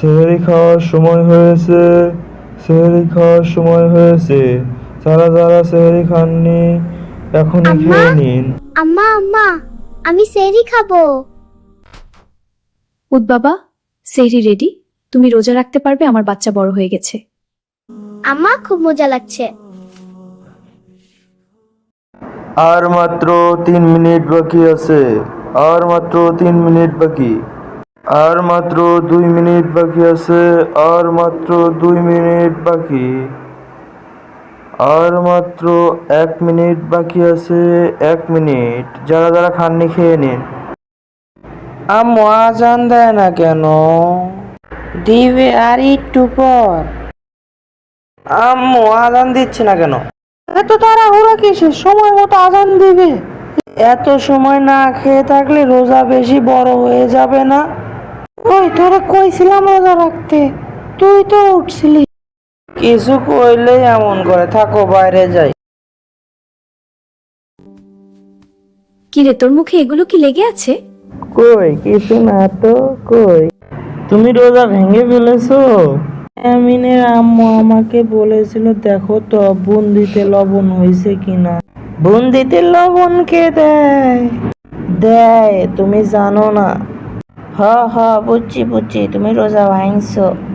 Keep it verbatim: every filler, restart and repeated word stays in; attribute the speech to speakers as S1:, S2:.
S1: সেহরি খাওয়ার সময় হয়েছে, সেহরি খাওয়ার সময় হয়েছে। যারা যারা সেহরি খাননি এখনই
S2: আম্মা
S1: খেয়ে নিন।
S2: আম্মা আম্মা আমি সেহরি খাবো।
S3: উঠ বাবা, সেহরি রেডি। তুমি রোজা রাখতে পারবে, আমার বাচ্চা বড় হয়ে গেছে।
S2: আম্মা খুব মজা লাগছে।
S1: আর মাত্র তিন মিনিট বাকি আছে, আর মাত্র তিন মিনিট বাকি, আর মাত্র দুই মিনিট বাকি আছে, আর মাত্র দুই মিনিট বাকি, আর মাত্র এক মিনিট বাকি আছে, এক মিনিট। যারা যারা খাননি খেয়ে নিন।
S4: আম্মু আজান দেয় না কেন? দিবে আর একটু পর। আম্মু আজান দিচ্ছে না কেন? এত তাড়াহুড়া কিসের? সময় মতো আজান দিবে। এত সময় না খেয়ে থাকলে রোজা বেশি বড় হয়ে যাবে না? ওই তোরা কইছিলাম রোজা রাখতে, তুই তো উঠছিলি। কিছু কইলে এমন করে, থাকো বাইরে যাই।
S3: কি রে, তোর মুখে এগুলো কি লেগে আছে?
S4: কই কিছু না তো। কই তুমি রোজা ভেঙে ফেলেছো? আমিনের আম্মু আমাকে বলেছিল দেখো তো বুন্দিতে লবণ হয়েছে কিনা। বুন্দিতে লবণ কে দেয়? দেয়, তুমি জানো না? হ হ বুঝছি বুঝছি, তুমি রোজা ভাঙছো।